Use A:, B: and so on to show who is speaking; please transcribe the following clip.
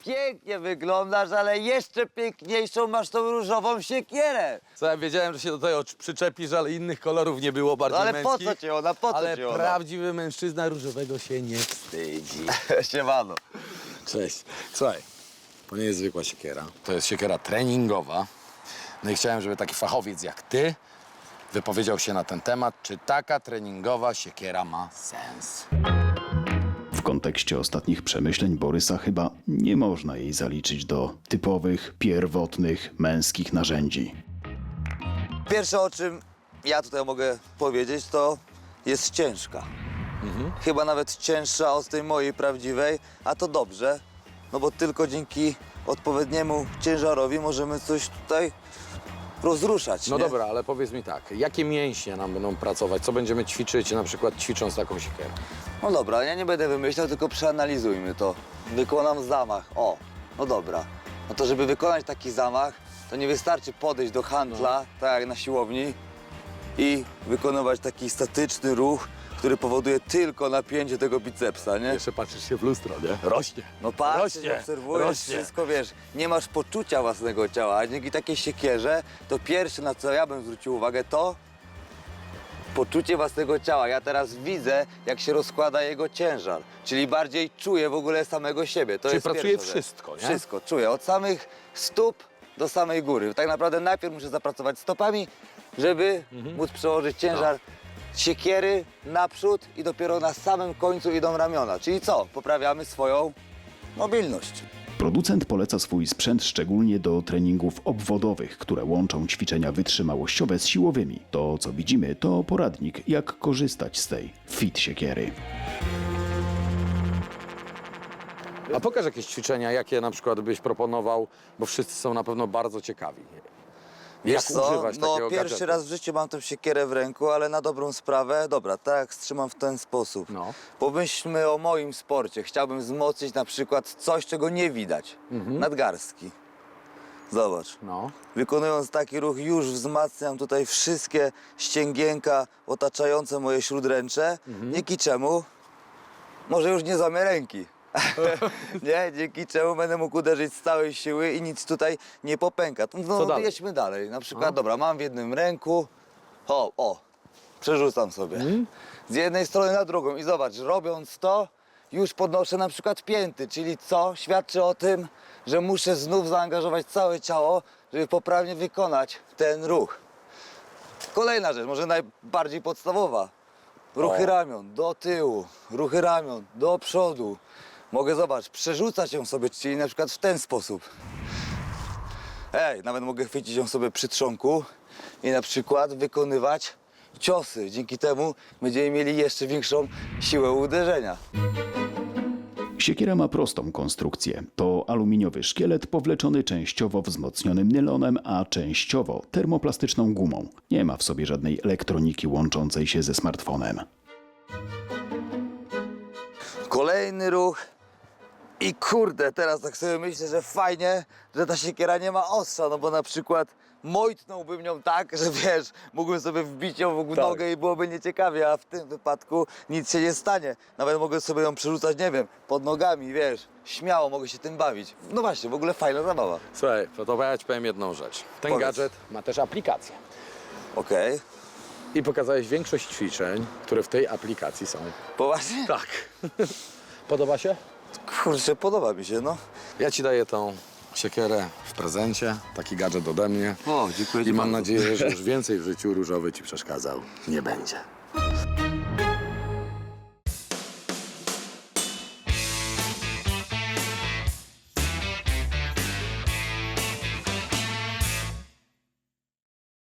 A: pięknie wyglądasz, ale jeszcze piękniejszą masz tą różową siekierę.
B: Co ja wiedziałem, że się do tego przyczepisz, ale innych kolorów nie było bardziej
A: No ale
B: męskich.
A: po co ci ona, po co
B: Ale
A: ci ona?
B: prawdziwy mężczyzna różowego się nie wstydzi.
A: Siemano.
B: Cześć. Słuchaj, to nie jest zwykła siekiera. To jest siekiera treningowa. No i chciałem, żeby taki fachowiec jak ty wypowiedział się na ten temat, czy taka treningowa siekiera ma sens.
C: W kontekście ostatnich przemyśleń Borysa chyba nie można jej zaliczyć do typowych, pierwotnych, męskich narzędzi.
A: Pierwsze, o czym ja tutaj mogę powiedzieć, to jest ciężka. Chyba nawet cięższa od tej mojej prawdziwej, a to dobrze, no bo tylko dzięki odpowiedniemu ciężarowi możemy coś tutaj rozruszać,
B: No
A: nie?
B: dobra, ale powiedz mi tak, jakie mięśnie nam będą pracować? Co będziemy ćwiczyć, na przykład ćwicząc taką siekierę?
A: No dobra, ja nie będę wymyślał, tylko przeanalizujmy to. Wykonam zamach, o, no dobra. No to żeby wykonać taki zamach, to nie wystarczy podejść do handla, tak jak na siłowni, i wykonywać taki statyczny ruch, który powoduje tylko napięcie tego bicepsa, nie?
B: Jeszcze patrzysz się w lustro, nie? Rośnie.
A: No patrzysz,
B: Rośnie,
A: obserwujesz
B: rośnie.
A: wszystko, wiesz, nie masz poczucia własnego ciała, a dzięki takiej siekierze, to pierwsze, na co ja bym zwrócił uwagę, to poczucie własnego ciała. Ja teraz widzę, jak się rozkłada jego ciężar, czyli bardziej czuję w ogóle samego siebie. To
B: Czyli
A: jest
B: pracuje
A: pierwsza rzecz.
B: wszystko, nie?
A: Wszystko, czuję, od samych stóp do samej góry. Tak naprawdę najpierw muszę zapracować stopami, żeby móc przełożyć ciężar siekiery naprzód i dopiero na samym końcu idą ramiona. Czyli co? Poprawiamy swoją mobilność.
C: Producent poleca swój sprzęt szczególnie do treningów obwodowych, które łączą ćwiczenia wytrzymałościowe z siłowymi. To, co widzimy, to poradnik, jak korzystać z tej fit siekiery.
B: A pokaż jakieś ćwiczenia, jakie na przykład byś proponował, bo wszyscy są na pewno bardzo ciekawi. Jak
A: Wiesz co?
B: używać
A: No
B: takiego
A: pierwszy
B: gadżetu?
A: raz w życiu mam tę siekierę w ręku, ale na dobrą sprawę, dobra, tak strzymam w ten sposób.
B: No.
A: Pomyślmy o moim sporcie. Chciałbym wzmocnić na przykład coś, czego nie widać. Nadgarstki. Zobacz.
B: No.
A: Wykonując taki ruch już wzmacniam tutaj wszystkie ścięgienka otaczające moje śródręcze. Dzięki czemu może już nie złamię ręki. Nie, dzięki czemu będę mógł uderzyć z całej siły i nic tutaj nie popęka. No,
B: Co dalej?
A: jedźmy dalej. Na przykład, dobra, mam w jednym ręku, o, przerzucam sobie. Z jednej strony na drugą i zobacz, robiąc to, już podnoszę na przykład pięty, czyli co? Świadczy o tym, że muszę znów zaangażować całe ciało, żeby poprawnie wykonać ten ruch. Kolejna rzecz, może najbardziej podstawowa. Ruchy ramion do tyłu, ruchy ramion do przodu. Mogę, zobacz, przerzucać ją sobie, czyli na przykład w ten sposób. Nawet mogę chwycić ją sobie przy trzonku i na przykład wykonywać ciosy. Dzięki temu będziemy mieli jeszcze większą siłę uderzenia.
C: Siekiera ma prostą konstrukcję. To aluminiowy szkielet powleczony częściowo wzmocnionym nylonem, a częściowo termoplastyczną gumą. Nie ma w sobie żadnej elektroniki łączącej się ze smartfonem.
A: Kolejny ruch. I kurde, teraz tak sobie myślę, że fajnie, że ta siekiera nie ma ostrza, no bo na przykład mojtnąłbym nią tak, że wiesz, mógłbym sobie wbić ją w nogę i byłoby nieciekawie, a w tym wypadku nic się nie stanie. Nawet mogę sobie ją przerzucać, nie wiem, pod nogami, wiesz, śmiało mogę się tym bawić. No właśnie, w ogóle fajna zabawa.
B: Słuchaj, to ja ci powiem jedną rzecz. Ten
A: Powiedz.
B: gadżet ma też aplikację.
A: Okej,
B: I pokazałeś większość ćwiczeń, które w tej aplikacji są.
A: poważnie?
B: Tak. Podoba się?
A: Kurczę, podoba mi się, no.
B: Ja ci daję tą siekierę w prezencie, taki gadżet ode mnie.
A: O, dziękuję ci
B: I mam
A: bardzo.
B: nadzieję, że już więcej w życiu różowy ci przeszkadzał nie będzie.